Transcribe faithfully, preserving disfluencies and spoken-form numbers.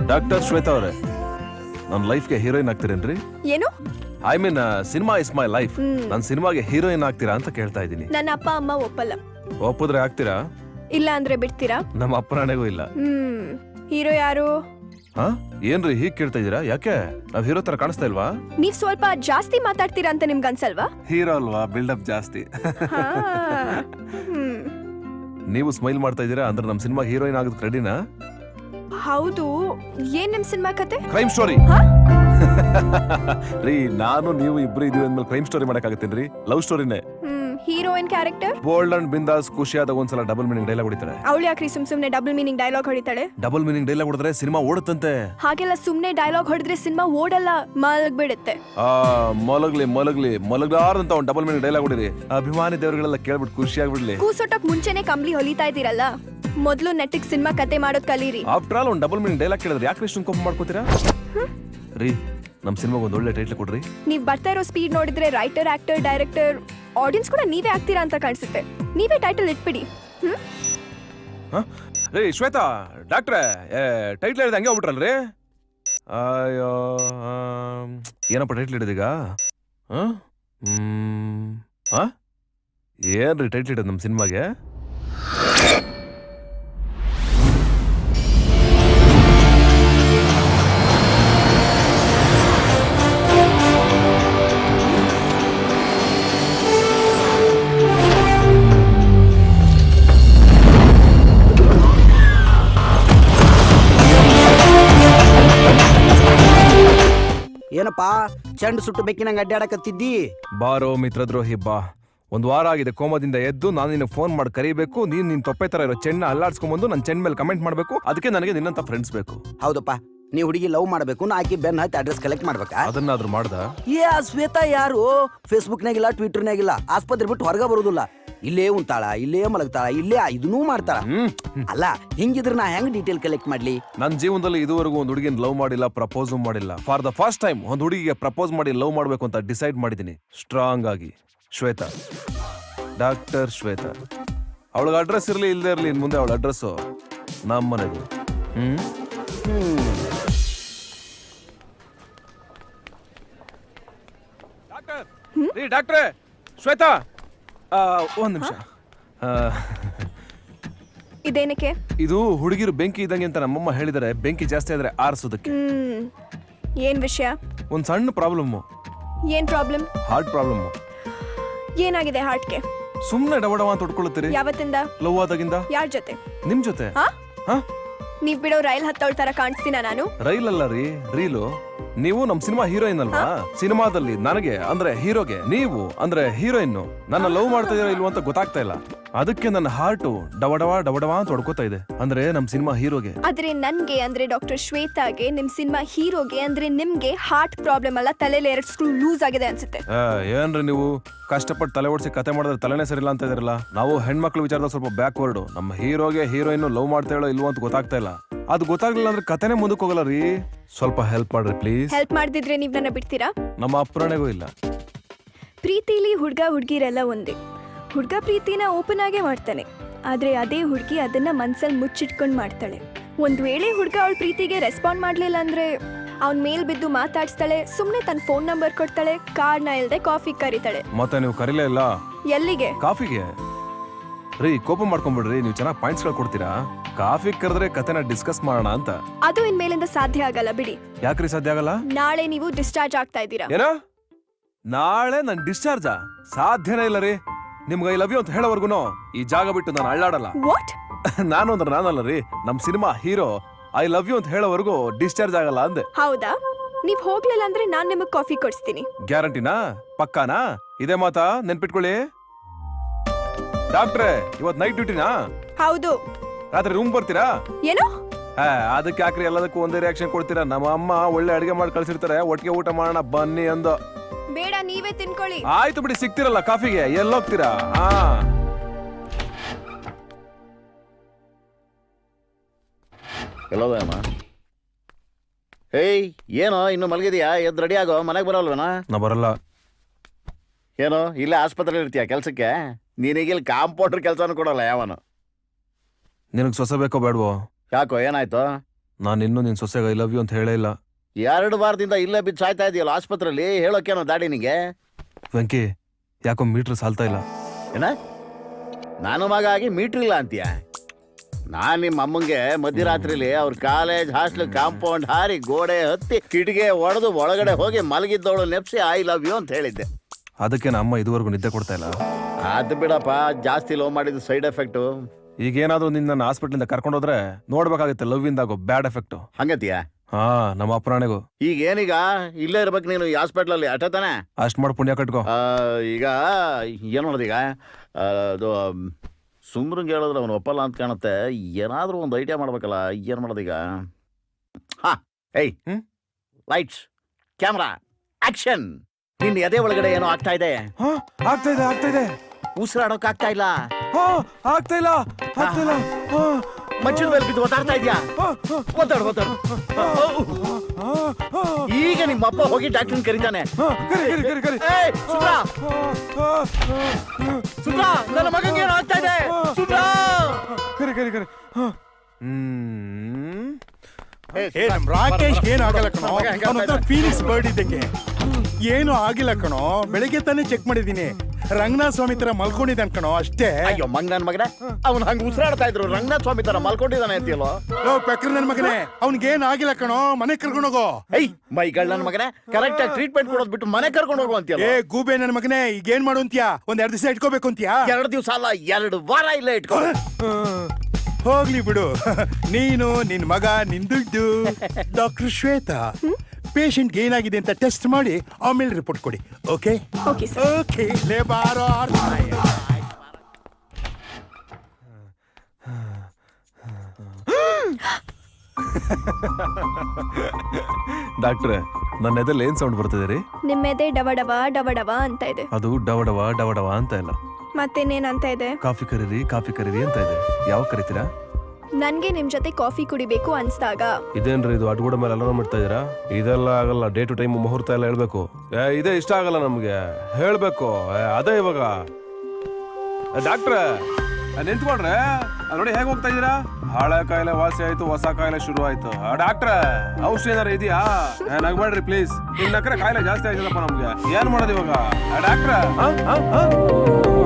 Doctor Shweta ಅವರೇ, ನನ್ನ ಲೈಫ್ಗೆ heroine ಆಗ್ತೀರೇನ್ರಿ? ಏನು? I mean cinema is my life. ನನ್ನ ಸಿನಿಮಾಗೆ ಹೀರೋಯಿನ್ ಆಗ್ತೀರಾ ಅಂತ ಕೇಳ್ತಾ ಇದ್ದೀನಿ. ನನ್ನ ಅಪ್ಪ ಅಮ್ಮ ಒಪ್ಪಲ್ಲ. ಒಪ್ಪಿದ್ರೆ ಆಗ್ತೀರಾ? ಇಲ್ಲ ಅಂದ್ರೆ ಬಿಡ್ತೀರಾ? ನಮ್ಮ ಅಪ್ಪನಾಣೆಗೂ ಇಲ್ಲ. ಹ್ಮ್ ಹೀರೋ ಯಾರು? ಹಾ ಏನ್ರಿ ಹೀಗ್ ಕೇಳ್ತಾ ಇದೀರಾ? ಯಾಕೆ ನಾವ್ ಹೀರೋ ತರ ಕಾಣಿಸ್ತಾ ಇಲ್ವಾ? ನೀವ್ ಸ್ವಲ್ಪ ಜಾಸ್ತಿ ಮಾತಾಡ್ತೀರಾ ಅಂತ ನಿಮ್ಗೆ ಅನ್ಸಲ್ವಾ? ಹೀರೋ ಅಲ್ವಾ, ಬಿಲ್ಡಪ್ ಜಾಸ್ತಿ. ಹಾ. ಹ್ಮ್. ನೀವು ಸ್ಮೈಲ್ ಮಾಡ್ತಾ ಇದೀರಾ ಅಂದ್ರೆ ನಮ್ ಸಿನಿಮಾ ಹೀರೋಯಿನ್ ಆಗೋದಕ್ಕೆ ರೆಡಿನಾ? ಹೌದು. ಏನ್ ನಿಮ್ ಸಿನಿಮಾ ಕತೆ? Crime story. ಹಾ? ರೀ ನಾನು ನೀವು ಇಬ್ರು ಇದೀವಿ ಅಂದ್ಮೇಲೆ ಕ್ರೈಮ್ ಸ್ಟೋರಿ ಮಾಡಕ್ಕಾಗತ್ತೇನ್ರಿ? ಲವ್ ಸ್ಟೋರಿನೇ. Hmm heroine character bold and ಬಿಂದಾಸ್ ಖುಷಿಯಾದಾಗ ಒಂದ್ಸಲ ಡಬಲ್ ಮೀನಿಂಗ್ ಡೈಲಾಗ್ ಹೊಡಿತಾಳೆ. ಅವಳು ಯಾಕ್ರಿ ಸುಮ್ ಸುಮ್ನೆ ಡಬಲ್ ಮೀನಿಂಗ್ ಡೈಲಾಗ್ ಹೊಡಿತಾಳೆ? ಡಬಲ್ ಮೀನಿಂಗ್ ಡೈಲಾಗ್ ಹೊಡೆದ್ರೆ ಸಿನಿಮಾ ಓಡುತ್ತಂತೆ. ಹಾಗೆಲ್ಲ ಸುಮ್ನೆ ಡೈಲಾಗ್ ಹೊಡೆದ್ರೆ ಸಿನಿಮಾ ಓಡಲ್ಲ, ಮಲಗ್ಬಿಡುತ್ತೆ. ಆ ಮಲಗ್ಲಿ ಮಲಗ್ಲಿ ಮಲಗ್ಲಾರ್ದಂತ ಒಂದು ಡಬಲ್ ಮೀನಿಂಗ್ ಡೈಲಾಗ್ ಹೊಡಿರಿ. ಅಭಿಮಾನಿ ದೇವರುಗಳೆಲ್ಲ ಕೇಳ್ಬಿಟ್ಟು ಖುಷಿ ಆಗ್ಬಿಡ್ಲಿ. ಕೂಸೋಟಕ್ ಮುಂಚೆನೆ ಕಂಬ್ಲಿ ಹೊಲಿತಾ ಇದೀರಲ್ಲ, ಮೊದ್ಲು ನೆಟ್ಟಿಗ್ ಸಿನಿಮಾ ಕತೆ ಮಾಡೋದ್ ಕಲೀರಿ. ಆಫ್ಟರ್ ಆಲ್ ಒಂದು ಡಬಲ್ ಮೀನಿಂಗ್ ಡೈಲಾಗ್ ಕೇಳಿದ್ರೆ ಯಾಕೆ ಇಷ್ಟೊಂದು ಕೋಪ ಮಾಡ್ಕೋತೀರಾ? ರೀ ನಮ್ ಸಿನಿಮಾಗೆ ಒಂದು ಒಳ್ಳೆ ಟೈಟ್ಲ್ ಕೊಡ್ರಿ. ನೀವ್ ಬರ್ತಾ ಇರೋ ಸ್ಪೀಡ್ ನೋಡಿದ್ರೆ ರೈಟರ್, ಆಕ್ಟರ್, ಡೈರೆಕ್ಟರ್, ಆಡಿಯನ್ಸ್ ಕೂಡ ನೀವೇ ಆಗ್ತೀರಾ ಅಂತ ಕಾಣಿಸುತ್ತೆ. ನೀವೇ ಟೈಟಲ್ ಇಟ್ಬಿಡಿ. ಹ್ಮ್ ರೀ ಶ್ವೇತಾ ಡಾಕ್ಟ್ರೆ, ಟೈಟ್ಲ್ ಹೇಳಿದ ಹಂಗೆ ಹೋಗ್ಬಿಟ್ರಲ್ರಿ? ಅಯ್ಯೋ ಏನಪ್ಪ ಟೈಟ್ಲ್ ಹಿಡಿದೀಗ? ಹ್ಮ್ ಏನ್ರಿ ಟೈಟ್ಲ್ ಹಿಡಿದ್ ನಮ್ ಸಿನಿಮಾಗೆ? ಏನಪ್ಪಾ ಚೆಂಡು ಸುಟ್ಟು ಬೆಕ್ಕಿನಂಗ ಅಡ್ಡಾಡಕತ್ತಿದ್ದಿ? ಬಾರೋ ಮಿತ್ರದ್ರೋಹಿ ಬಾ. ಒಂದ್ ವಾರ ಆಗಿದೆ ಕೋಮದಿಂದ ಎದ್ದು ನಾನು ನಿನ್ನ ಫೋನ್ ಮಾಡಿ ಕರಿಬೇಕು. ನೀನ್ ನಿನ್ ತೊಪ್ಪೆ ತರ ಇರೋ ಚೆನ್ನ ಅಲ್ಲಾಡ್ಸ್ಕೊಂಡ್ಬಂದು ನನ್ನ ಚೆನ್ನ ಮೇಲೆ ಕಮೆಂಟ್ ಮಾಡ್ಬೇಕು. ಅದಕ್ಕೆ ನನಗೆ ನಿನ್ನಂತ ಫ್ರೆಂಡ್ಸ್ ಬೇಕು. ಹೌದಪ್ಪ, ನೀ ಹುಡುಗಿ ಲವ್ ಮಾಡಬೇಕು, ನಾ ಆಕಿ ಬೆನ್ ಹತ್ತಿ ಅಡ್ರೆಸ್ ಕಲೆಕ್ಟ್ ಮಾಡ್ಬೇಕಾ? ಅದನ್ನಾದ್ರೂ ಮಾಡ್ದ? ಏ ಆ ಶ್ವೇತಾ ಯಾರು? ಫೇಸ್ಬುಕ್ನಾಗಿಲ್ಲ, ಟ್ವಿಟರ್ನಾಗಿಲ್ಲ, ಆಸ್ಪತ್ರೆ ಬಿಟ್ಟು ಹೊರಗ ಬರುದಿಲ್ಲ. ಇಲ್ಲೇ ಉಂತಾಳ, ಇಲ್ಲೇ ಮಲಗ್ತಾಳ, ಇಲ್ಲೇ ಇದನ್ನೂ ಮಾಡ್ತಾಳ. ಅಲ್ಲ ಹಿಂಗಿದ್ರೆ ನಾ ಹೆಂಗ್ ಡೀಟೇಲ್ ಕಲೆಕ್ಟ್ ಮಾಡ್ಲಿ? ನನ್ನ ಜೀವನದಲ್ಲಿ ಇದುವರೆಗೂ ಒಂದು ಹುಡುಗಿನ ಲವ್ ಮಾಡಿಲ್ಲ, ಪ್ರಪೋಸ್ ಮಾಡಿಲ್ಲ. ಫಾರ್ ದ ಫಸ್ಟ್ ಟೈಮ್ ಒಂದು ಹುಡುಗಿಗೆ ಪ್ರಪೋಸ್ ಮಾಡಿ ಲವ್ ಮಾಡ್ಬೇಕು ಅಂತ ಡಿಸೈಡ್ ಮಾಡಿದೀನಿ ಸ್ಟ್ರಾಂಗ್ ಆಗಿ. ಶ್ವೇತಾ, ಡಾಕ್ಟರ್ ಶ್ವೇತಾ. ಅವಳಿಗೆ ಅಡ್ರೆಸ್ ಇರ್ಲಿ ಇಲ್ಲದೆ ಇರ್ಲಿ, ಇನ್ ಮುಂದೆ ಅವಳ ಅಡ್ರೆಸ್ ನಮ್ಮ ಮನೆದು. ಹ್ಮ್ ಡಾಕ್ಟರ್, ಡಾಕ್ಟ್ರೇ ಶ್ವೇತಾ, ಒಂದ್ ನಿಮಿಷ. ಇದೇನಕ್ಕೆ? ಇದು ಹುಡುಗಿರು ಬೆಂಕಿ ಇದ್ದಂಗೆ ಅಂತ ನಮ್ಮಮ್ಮ ಹೇಳಿದರೆ, ಬೆಂಕಿ ಜಾಸ್ತಿ ಆದ್ರೆ ಆರಿಸೋದಕ್ಕೆ. ಹ್ಮ್ ಏನ್ ವಿಷಯ? ಒಂದ್ ಸಣ್ಣ ಪ್ರಾಬ್ಲಮ್. ಏನ್ ಪ್ರಾಬ್ಲಮ್? Heart problem. ಏನಾಗಿದೆ ಹಾರ್ಟ್ಗೆ? ಸುಮ್ನೆ ಡವಡವ ಅಂತ ಹೊಡ್ಕೊಳ್ಳುತ್ತೀರಿ. ಯಾವತ್ತಿಂದ? ಲವ್ ಆದಾಗಿಂದ. ಯಾರ ಜೊತೆ? ನಿಮ್ ಜೊತೆ. ನೀವ್ ಬಿಡೋ ರೈಲ್ ಹತ್ತೋಳ್ ತರ ಕಾಣಿಸ್ತೀನ ನಾನು? ರೈಲ್ ಅಲ್ಲ ರೀ, ರೀಲು. ನೀವು ನಮ್ ಸಿನಿಮಾ ಹೀರೋಯಿನ್ ಅಲ್ವಾ? ಸಿನಿಮಾದಲ್ಲಿ ನನಗೆ ಅಂದ್ರೆ ಹೀರೋಗೆ ನೀವು ಅಂದ್ರೆ ಹೀರೋಯಿನ್. ನನ್ನ ಲವ್ ಮಾಡ್ತಾ ಇದೀರೋ ಇಲ್ವೋ ಅಂತ ಗೊತ್ತಾಗ್ತಾ ಇಲ್ಲ. ಅದಕ್ಕೆ ನನ್ನ ಹಾರ್ಟ್ ಡವಡವ ಡವಡವ ಅಂತ ಹೊಡ್ಕೋತಾ ಇದೆ. ಅಂದ್ರೆ ನಮ್ ಸಿನಿಮಾ ಹೀರೋಗೆ. ಆದ್ರೆ ನನ್ಗೆ ಅಂದ್ರೆ ಡಾಕ್ಟರ್ ಶ್ವೇತಾಗೆ, ನಿಮ್ ಸಿನಿಮಾ ಹೀರೋಗೆ ಅಂದ್ರೆ ನಿಮ್ಗೆ ಹಾರ್ಟ್ ಪ್ರಾಬ್ಲಮ್ ಅಲ್ಲ, ತಲೆಯಲ್ಲಿ ಎರಡು ಸ್ಕ್ರೂ ಲೂಸ್ ಆಗಿದೆ ಅನ್ಸುತ್ತೆ. ಏನ್ರಿ ನೀವು ಕಷ್ಟಪಟ್ಟು ತಲೆ ಓಡಿಸಿ ಕತೆ ಮಾಡಿದ್ರೆ ತಲೆನೇ ಸರಿಲ್ಲ ಅಂತ ಇದಿರಲ್ಲ. ನಾವು ಹೆಣ್ಮಕ್ಳು ವಿಚಾರದಲ್ಲಿ ಸ್ವಲ್ಪ ಬ್ಯಾಕ್ವರ್ಡ್. ನಮ್ಮ ಹೀರೋಗೆ ಹೀರೋಯಿನ್ ಲವ್ ಮಾಡ್ತಾ ಹೇಳೋ ಇಲ್ವೋ ಅಂತ ಗೊತ್ತಾಗ್ತಾ ಇಲ್ಲ. ಅದು ಗೊತ್ತಾಗ್ಲಿಲ್ಲ ಅಂದ್ರೆ ಕತೆನೇ ಮುಂದಕ್ಕೆ ಹೋಗಲ್ಲ ರೀ. ಸ್ವಲ್ಪ ಹೆಲ್ಪ್ ಮಾಡ್ರಿ ಪ್ಲೀಸ್. ಹೆಲ್ಪ್ ಮಾಡ್ದಿದ್ರೆ ನೀವ್ ನನ್ನ ಬಿಡ್ತೀರಾ? ನಮ್ಮ ಅಪ್ಪರಣೆಗೂ ಇಲ್ಲ. ಪ್ರೀತಿಲಿ ಹುಡ್ಗ ಹುಡ್ಗಿರೆಲ್ಲ ಒಂದೇ. ಹುಡ್ಗ ಪ್ರೀತಿನ ಓಪನ್ ಆಗೇ ಮಾಡ್ತಾನೆ, ಆದ್ರೆ ಅದೇ ಹುಡ್ಗಿ ಅದನ್ನ ಮನ್ಸಲ್ಲಿ ಮುಚ್ಚಿಟ್ಕೊಂಡ್ ಮಾಡ್ತಾಳೆ. ಒಂದ್ ವೇಳೆ ಹುಡ್ಗ ಅವಳ ಪ್ರೀತಿಗೆ ರೆಸ್ಪಾಂಡ್ ಮಾಡ್ಲಿಲ್ಲ ಅಂದ್ರೆ ಅವ್ನ್ ಮೇಲ್ ಬಿದ್ದು ಮಾತಾಡ್ಸ್ತಾಳೆ, ಸುಮ್ನೆ ತನ್ನ ಫೋನ್ ನಂಬರ್ ಕೊಡ್ತಾಳೆ, ಕಾರ್ಡ್ನ ಇಲ್ದೆ ಕಾಫಿ ಕರೀತಾಳೆ. ಮತ್ತೆ ನೀವು ಕರೀಲೇ ಇಲ್ಲ. ಎಲ್ಲಿಗೆ? ಕಾಫಿಗೆ. ರೀ ಕೋಪ ಮಾಡ್ಕೊಂಡ್ಬಿಡ್ರಿ, ನೀವು ಚೆನ್ನಾಗಿ ಪಾಯಿಂಟ್ಸ್ ಗಳು ಕೊಡ್ತೀರಾ. ಕಾಫಿ ಕರೆದ್ರೆ ಕತೆನ ಡಿಸ್ಕಸ್ ಮಾಡೋಣ ಅಂತ. ಅದು ಇನ್ಮೇಲಿಂದ ಸಾಧ್ಯ ಆಗಲ್ಲ ಬಿಡಿ. ಯಾಕ್ರಿ ಸಾಧ್ಯ ಆಗಲ್ಲ? ನಾಳೆ ನೀವು ಡಿಸ್ಚಾರ್ಜ್ ಆಗ್ತಾ ಇದ್ದೀರಾ. ಏನೋ ನಾಳೆ ನನ್ ಡಿಸ್ಚಾರ್ಜ್? ಸಾಧ್ಯನೇ ಇಲ್ಲ ರೀ. ನಿಮ್ಗೆ ಐ ಲವ್ ಯು ಅಂತ ಹೇಳೋವರ್ಗುನು ಈ ಜಾಗ ಬಿಟ್ಟು ನಾನು ಅಳ್ಳಾಡಲ್ಲ. ವಾಟ್? ನಾನು ಅಂದ್ರೆ ನಾನಲ್ಲ ರೀ, ನಮ್ cinema hero I love you ಅಂತ ಹೇಳೋವರೆಗೂ ಡಿಸ್ಚಾರ್ಜ್ ಆಗಲ್ಲ ಅಂದೆ. ಹೌದಾ? ನೀವ್ ಹೋಗ್ಲಿಲ್ಲ ಅಂದ್ರೆ ನಾನ್ ನಿಮಗ್ ಕಾಫಿ ಕೊಡ್ಸ್ತೀನಿ. ಗ್ಯಾರಂಟಿನಾ? ಪಕ್ಕಾನಾ? ಇದೇ ಮಾತಾ ನೆನ್ಪಿಟ್ಕೊಳ್ಳಿ. ಡಾಕ್ಟ್ರೆ ಇವತ್ ನೈಟ್ ಡ್ಯೂಟಿನಾ? ಹೌದು. ರಾತ್ರಿ ರೂಮ್ ಬರ್ತೀರಾ? ಏನು? ಅದಕ್ಕೆ ಯಾಕ್ರಿ ಎಲ್ಲದಕ್ಕೂ ಒಂದೇ ರಿಯಾಕ್ಷನ್ ಕೊಡ್ತೀರಾ? ನಮ್ಮ ಅಮ್ಮ ಒಳ್ಳೆ ಅಡಿಗೆ ಮಾಡಿ ಕಳ್ಸಿರ್ತಾರೆ, ಒಟ್ಟಿಗೆ ಊಟ ಮಾಡೋಣ ಬನ್ನಿ ಅಂದು. ಬೇಡ, ನೀವೇ ತಿನ್ಕೊಳ್ಳಿ. ಆಯ್ತು ಬಿಡಿ, ಸಿಗ್ತಿರಲ್ಲ ಕಾಫಿಗೆ, ಎಲ್ಲೋಗ್ತೀರಾ? ಹಾ ಎಲ್ಲೋದಮ್ಮ? ಹೇಯ್ ಏನೋ ಇನ್ನು ಮಲಗಿದ್ಯಾ? ಎದ್ದು ರೆಡಿ ಆಗೋ, ಮನೆಗೆ ಬರೋಲ್ವೇನಾ? ನಾ ಬರಲ್ಲ. ಏನೋ ಇಲ್ಲೇ ಆಸ್ಪತ್ರೆಯಲ್ಲಿ ಇರ್ತೀಯ ಕೆಲಸಕ್ಕೆ? ನೀನೀಗ ಇಲ್ಲಿ ಕಾಂಪೌಂಡ್ರ್ ಕೆಲಸನೂ ಕೊಡಲ್ಲ ಯಾವನು. ನಿನಗೆ ಸೊಸೆ ಬೇಕೋ ಬೇಡವೋ? ಯಾಕೋ ಏನಾಯ್ತು? ನಾನು ಇನ್ನೂ ನಿನ್ ಸೊಸೆಗೆ ಐ ಲವ್ ಯು ಅಂತ ಹೇಳೇ ಇಲ್ಲ. ಎರಡು ವಾರದಿಂದ ಇಲ್ಲೇ ಬಿದ್ದು ಸಾಯ್ತಾ ಇದೆಯಲ್ಲ ಆಸ್ಪತ್ರೆಯಲ್ಲಿ, ಹೇಳೋಕೇನೋ ದಾಡಿ ನಿಂಗೆ? ವೆಂಕಿ, ಯಾಕೋ ಮೀಟ್ರ್ ಸಾಲ್ತಾ ಇಲ್ಲ. ಏನ ನಾನು ಮಗ ಆಗಿ ಮೀಟ್ರ್ ಇಲ್ಲ ಅಂತೀಯ? ನಾನ್ ನಿಮ್ಮ ಅಮ್ಮಂಗೆ ಮಧ್ಯರಾತ್ರಿಲಿ ಅವ್ರ ಕಾಲೇಜ್ ಹಾಸ್ಟೆಲ್ ಕಾಂಪೌಂಡ್ ಹಾರಿ ಗೋಡೆ ಹತ್ತಿ ಕಿಟಿಗೆ ಒಡೆದು ಒಳಗಡೆ ಹೋಗಿ ಮಲಗಿದ್ದವಳು ನೆಪ್ಸಿ ಐ ಲವ್ ಯು ಅಂತ ಹೇಳಿದ್ದೆ. ಅದಕ್ಕೆ ನಮ್ಮ ಅಮ್ಮ ಇದುವರೆಗೂ ನಿದ್ದೆ ಕೊಡ್ತಾ ಇಲ್ಲ. ಅದು ಬಿಡಪ್ಪ, ಜಾಸ್ತಿ ಲವ್ ಮಾಡಿದ ಸೈಡ್ ಎಫೆಕ್ಟು. ಈಗ ಏನಾದ್ರು ನಿನ್ನ ಹಾಸ್ಪಿಟ್ಲಿಂದ ಕರ್ಕೊಂಡೋದ್ರೆ ನೋಡ್ಬೇಕಾಗುತ್ತೆ ಲವ್ ಇಂದಾಗೋ ಬ್ಯಾಡ್ ಎಫೆಕ್ಟ್. ಹಂಗತಿಯಾ? ಹಾ, ನಮ್ಮ ಅಪ್ಪರಾಣೆಗೂ. ಈಗ ಏನೀಗ ಇಲ್ಲೇ ಇರ್ಬೇಕು ನೀನು ಈ ಹಾಸ್ಪಿಟ್ಲಲ್ಲಿ ಅಟ ತಾನೆ? ಅಷ್ಟ್ ಮಾಡಿ ಪುಣ್ಯ ಕಟ್ಕೋ. ಆ, ಈಗ ಏನು ಮಾಡೋದೀಗ? ಆ, ಅದು ಸುಮ್ರಂಗೆ ಹೇಳಿದ್ರೆ ಅವನು ಒಪ್ಪಲ್ಲ ಅಂತ ಕಾಣುತ್ತೆ. ಏನಾದ್ರೂ ಒಂದು ಐಡಿಯಾ ಮಾಡ್ಬೇಕಲ್ಲ, ಏನ್ ಮಾಡೋದೀಗ? ಹಾ, ಏಯ್ ಹ್ಮ್? Lights, camera, action! ನಿನ್ನ ಎದೆ ಒಳಗಡೆ ಏನೋ ಆಗ್ತಾ ಇದೆ. ಹಾ, ಆಗ್ತಾ ಇದೆ ಆಗ್ತಾ ಇದೆ. ಉಸಿರಾಡೋಕ್ ಆಗ್ತಾ ಇಲ್ಲ. ಹಾ, ಆಗ್ತಾ ಇಲ್ಲ ಆಗ್ತಾ ಇಲ್ಲ. ಹಾ, ಮಚ್ಚಿನ ಮೇಲೆ ಬಿದ್ದು ಒತ್ತಾಡ್ತಾ ಇದ್ಯಾ? ಹಾ, ಹಾ, ಒತ್ತಾಡು ಒತ್ತಾಡು. ಹಾ, ಹಾ. ಈಗ ನಿಮ್ಮ ಅಪ್ಪ ಹೋಗಿ ಡಾಕ್ಟರ್ ಕರೀತಾನೆ. ಹಾ, ಕರಿ ಕರಿ ಕರಿ ಕರಿ. ಏಯ್, ಸುಬ್ರಾ! ಹಾ, ಹಾ, ಹಾ, ಹಾ. ಸುಬ್ರಾ, ನನ್ನ ಮಗಂಗೆ ಏನೋ ಆಗ್ತಾ ಇದೆ. ಸುಬ್ರಾ! ಕರಿ ಕರಿ ಕರಿ. ಹಾ. ಹ್ಮ್. ಏ ನಮ್ ರಾಕೇಶ್ ಏನು ಆಗಲ್ಲ ಕಣೋ, ಮಗ ಹೆಂಗ್ ಅವನ ಹತ್ರ ಫೀನಿಕ್ಸ್ ಬರ್ಡ್ ಇದ್ದಂಗೆ ಏನು ಆಗಿಲ್ಲ ಕಣೋ. ಬೆಳಿಗ್ಗೆ ತಾನೇ ಚೆಕ್ ಮಾಡಿದೀನಿ, ರಂಗನಾಥ ಸ್ವಾಮಿ ತರ ಮಲ್ಕೊಂಡಿದ್ದಾನೆ ಕಣೋ, ಅಷ್ಟೇ. ಅಯ್ಯೋ ಮಂಗ್ ನನ್ ಮಗನೇ, ಅವ್ನು ಹಂಗ ಉಸಿರಾಡ್ತಾ ಇದ್ರು. ರಂಗನಾಥ್ ಸ್ವಾಮಿ ತರ ಮಲ್ಕೊಂಡಿದ್ದಾನೆ ಅಂತೀಯಲ್ಲೋ? ಲೋ ಪೆಕ್ರ ನನ್ ಮಗನೇ, ಅವ್ನಿಗೇನ್ ಆಗಿಲ್ಲ ಕಣೋ, ಮನೆ ಕರ್ಕೊಂಡೋಗೋ. ಏಯ್ ಮೈಗಳ್ ನನ್ ಮಗನೇ, ಕರೆಕ್ಟ್ ಆಗಿ ಟ್ರೀಟ್ಮೆಂಟ್ ಕೊಡೋದ್ ಬಿಟ್ಟು ಮನೆ ಕರ್ಕೊಂಡು ಹೋಗು ಅಂತೀಯಲ್ಲ? ಏ ಗೂಬೆ ನನ್ ಮಗನೇ, ಈಗ ಏನ್ ಮಾಡು ಅಂತ್ಯಾ? ಒಂದ್ ಎರಡ್ ದಿವಸ ಇಟ್ಕೋಬೇಕು ಅಂತ್ಯಾ? ಎರಡು ದಿವಸ ಅಲ್ಲ, ಎರಡು ವಾರ ಇಲ್ಲೇ ಇಟ್ಕೋ. ಹೋಗ್ಲಿ ಬಿಡು, ನೀನು ನಿನ್ ಮಗ ನಿನ್ ದುಡ್ಡು. ಡಾಕ್ಟರ್ ಶ್ವೇತಾ, ಪೇಷಂಟ್ ಏನಾಗಿದೆ ಅಂತ ಟೆಸ್ಟ್ ಮಾಡಿ ಆಮೇಲೆ ರಿಪೋರ್ಟ್ ಕೊಡಿ. Okay okay sir. ಓಕೆ ಲೇ ಬಾರೋ. ಡಾಕ್ಟ್ರೆ, ನನ್ನ ಎದೆಲ್ಲಿ ಏನ್ ಸೌಂಡ್ ಬರ್ತಿದೆ ರೀ? ನಿಮ್ಮೆದೆ ಡವಡವ ಡವಡವ ಅಂತ ಇದೆ. ಅದು ಡವಡವ ಡವಡವ ಅಂತ ಇಲ್ಲ. ಮತ್ತೇನೇನಂತ ಇದೆ? ಕಾಫಿ ಕರೀರಿ ಕಾಫಿ ಕರೀರಿ ಅಂತ ಇದೆ. ಯಾವಾಗ ಕರಿತೀರಾ? ನನ್ಗೆ ನಿಮ್ ಜೊತೆ ಕಾಫಿ ಕುಡಿಬೇಕು ಅನ್ಸ್ದಾಗ. ಇದೇನ್ರಿ ಇದು ಅಡ್ಗೂಡ ಮೇಲೆ ಅಲಾರಾಮ್ ಇಡ್ತಾ ಇದೀರಾ? ಇದೆಲ್ಲ ಆಗಲ್ಲ. ಡೇ ಟು ಟೈಮ್ ಮುಹೂರ್ತ ಎಲ್ಲ ಹೇಳ್ಬೇಕು. ಏ, ಇದೇ ಇಷ್ಟ ಆಗಲ್ಲ ನಮ್ಗೆ, ಹೇಳ್ಬೇಕು. ಏ, ಅದೇ ಇವಾಗ ಡಾಕ್ಟ್ರೆ ನಿಂತ್ಕೊಂಡ್ರೆ ಅದ್ ನೋಡಿ ಹೇಗೆ ಹೋಗ್ತಾ ಇದೀರಾ? ಹಳೆ ಕಾಯಿಲೆ ವಾಸಿ ಆಯ್ತು, ಹೊಸ ಕಾಯಿಲೆ ಶುರು ಆಯ್ತು. ಡಾಕ್ಟ್ರೆ ಔಷಧಿ ಏನಾರ ಇದೆಯಾ? ನಗ್ಬೇಡ್ರಿ ಪ್ಲೀಸ್. ಇನ್ ನಕ್ರೆ ಕಾಯಿಲೆ ಜಾಸ್ತಿ ಆಯ್ತದಪ್ಪ ನಮ್ಗೆ. ಏನ್ ಮಾಡೋದು ಇವಾಗ ಡಾಕ್ಟ್ರೆ?